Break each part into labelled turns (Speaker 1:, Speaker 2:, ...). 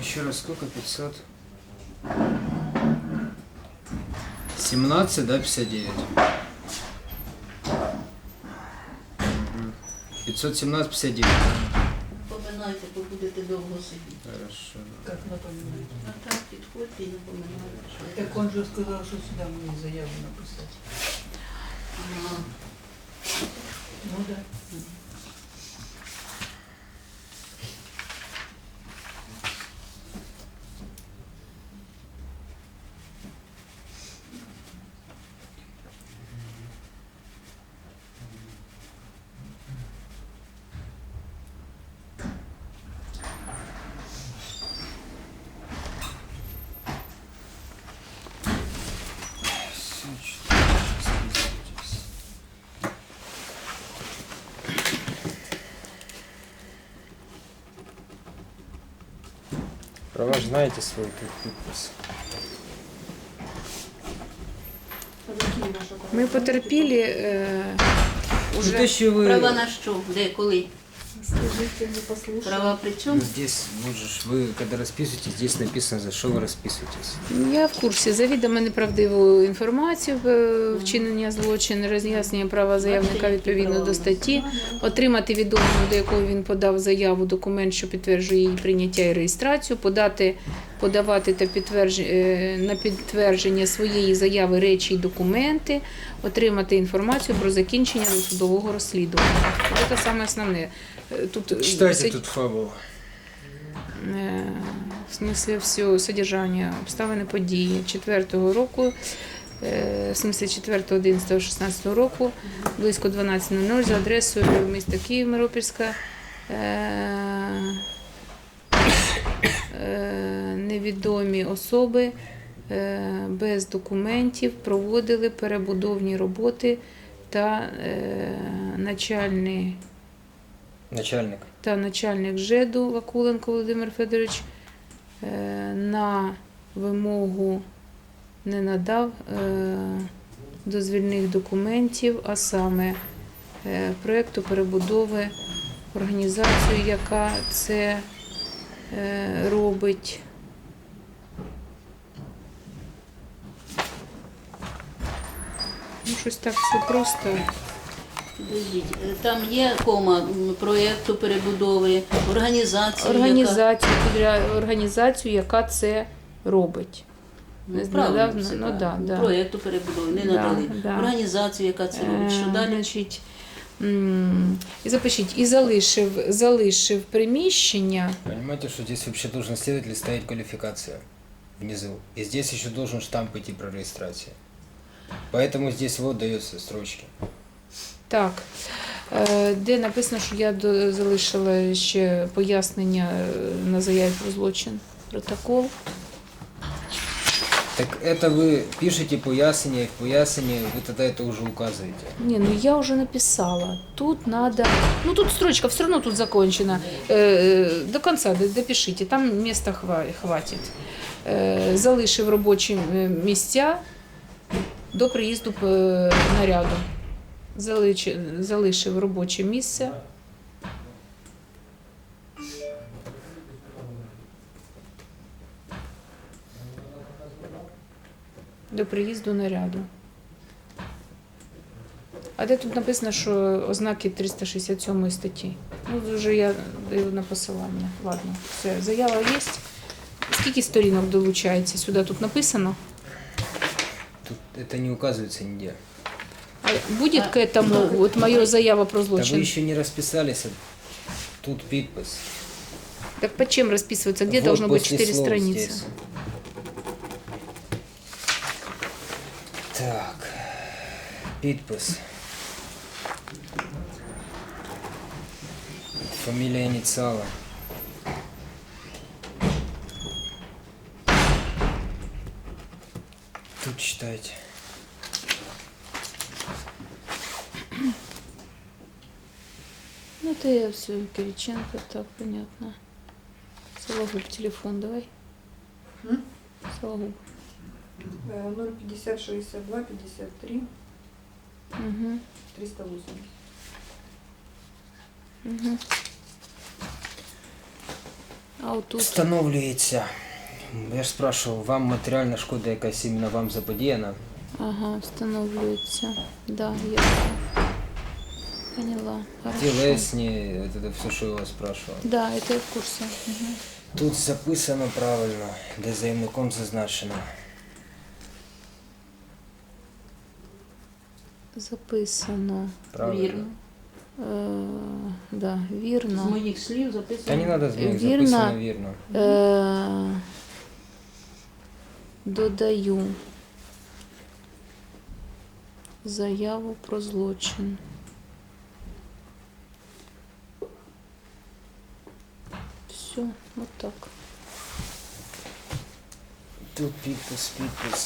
Speaker 1: Еще раз, сколько? 500? 17, да, 59? 517, 59.
Speaker 2: Напоминайте, бо будете довго сидіти.
Speaker 1: Хорошо.
Speaker 3: Как напоминать?
Speaker 2: А так підходьте і напоминайте, що
Speaker 3: Так он же сказал, что сюда мне заяву написать.
Speaker 2: Ага.
Speaker 3: Ну да.
Speaker 1: Всё, что-то сейчас расписывайтесь. Права ж знаете свой тут подпись.
Speaker 4: Ми потерпіли
Speaker 1: Ну,
Speaker 4: уже.
Speaker 1: то, що ви...
Speaker 2: Права на що? Де, коли?
Speaker 4: Скажите, не послушаю.
Speaker 2: Права при
Speaker 1: Ну,
Speaker 2: чому?
Speaker 1: здесь, можешь, вы когда расписываетесь, здесь написано, за что вы расписываетесь.
Speaker 4: Я в курсі завідомо неправдиву інформацію, вчинення злочину, роз'яснення права заявника відповідно до статті, отримати відомого, до якого він подав заяву, документ, що підтверджує її прийняття і реєстрацію, подавати та на підтвердження своєї заяви речі і документи, отримати інформацію про закінчення досудового розслідування. Це саме основне. Тут
Speaker 1: Читайте тут фабулу.
Speaker 4: в смысле все содержання, обставини події 4-го року, в смысле 4.11.16 року, близько 12:00 за адресою міста Київ, Миропільська, невідомі особи без документів проводили перебудовні роботи та начальник ЖЕДу Вакуленко Володимир Федорович на вимогу не надав дозвільних документів, а саме проєкту перебудови, організацію, яка це робить. Ну, щось так все просто.
Speaker 2: Підождіть, там є кома проєкту перебудови, організації,
Speaker 4: Організацію, яка це робить.
Speaker 2: яка...
Speaker 4: Правильно,
Speaker 2: правильно, все
Speaker 4: ну,
Speaker 2: правильно.
Speaker 4: да.
Speaker 2: Проєкту перебудови, не
Speaker 4: Да,
Speaker 2: надали.
Speaker 4: да.
Speaker 2: Організацію, яка це робить. Що далі?
Speaker 4: Значить, і запишіть, і залишив приміщення.
Speaker 1: Понимаете, что здесь вообще должен следователь ставить квалификация внизу. И здесь еще должен штамп идти про регистрацию. Поэтому здесь вот дается строчки.
Speaker 4: Так, де написано, що я залишила ще пояснення на заяві про злочин, протокол.
Speaker 1: Так это вы пишете пояснение, в пояснении вы тогда это уже указываете.
Speaker 4: Не, ну я уже написала. Тут надо... Ну тут строчка все равно тут закончена. До конца допишите, там места хватит. Залишив робочі місця до приїзду наряду. Залишив робоче місце. До приїзду наряду. А де тут написано, що ознаки 367 статті? Ну, вже я даю на посилання. Ладно, все, заява є. Скільки сторінок долучається? Сюди тут написано?
Speaker 1: Тут это не указывается нигде.
Speaker 4: А будет к этому вот моя заява про
Speaker 1: Да вы
Speaker 4: злочин?
Speaker 1: еще не расписались, тут подпись.
Speaker 4: Так под чем расписывается? Где
Speaker 1: Вот
Speaker 4: должно быть
Speaker 1: после
Speaker 4: 4
Speaker 1: слов
Speaker 4: страницы?
Speaker 1: здесь. Так, подпись. Фамилия инициала. Тут читайте.
Speaker 4: Ну, это я все, Кириченко, так, понятно. Сологуб, телефон давай. Сологуб.
Speaker 5: 050 62 53
Speaker 4: Угу.
Speaker 5: 380.
Speaker 4: Угу. А отут.
Speaker 1: Встановлюється. Я ж спрашивав, вам матеріальна шкода якась іменно вам заподіяна?
Speaker 4: Ага, встановлюється. Да, я поняла. Хорошо.
Speaker 1: Тілесні, це все, що я вас спрашивав.
Speaker 4: Да, это я в курсе. Угу.
Speaker 1: Тут записано правильно, де заявником зазначено.
Speaker 4: Записано.
Speaker 1: Правильно.
Speaker 2: Вірно.
Speaker 4: Да,
Speaker 2: З
Speaker 4: вірно.
Speaker 2: моїх слів записано.
Speaker 1: Та не треба змінити,
Speaker 4: Вірно.
Speaker 1: записано вірно.
Speaker 4: Додаю заяву про злочин. Все, вот так.
Speaker 1: Тут підпис.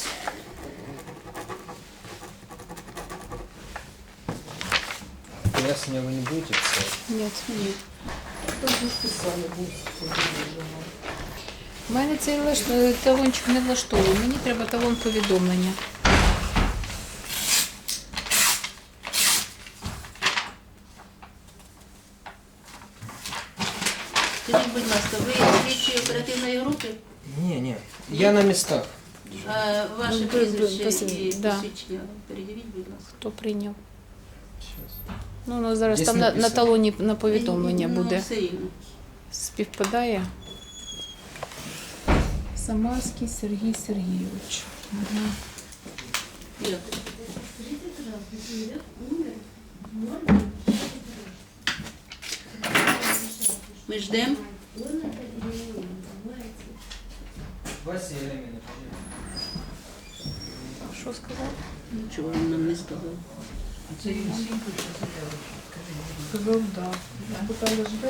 Speaker 1: Пояснення ви не будете писати?
Speaker 4: Нет.
Speaker 3: Хто ж писали, був вже.
Speaker 4: Мене цей талончик не влаштовує. Мені треба талон повідомлення.
Speaker 2: Скажіть, будь ласка, ви слідчі оперативної групи?
Speaker 1: Ні. Я на містах.
Speaker 2: А ваше
Speaker 4: Ну,
Speaker 2: прізвище і
Speaker 4: да.
Speaker 2: посвідчення передивіть, будь ласка.
Speaker 4: Хто прийняв? Ну, зараз
Speaker 1: Десь
Speaker 4: там на
Speaker 1: написано.
Speaker 4: талоні на повідомлення
Speaker 2: Ну,
Speaker 4: буде.
Speaker 2: все рівно.
Speaker 4: Співпадає. Самарський Сергій Сергійович. Угу.
Speaker 2: Дякую. Ми ждемо.
Speaker 1: Вася
Speaker 4: Що сказав?
Speaker 2: Нічого він нам не сказав.
Speaker 3: А це він всім пише заяву. Скажіть, будь ласка.
Speaker 5: Сказав, да. Питання жде.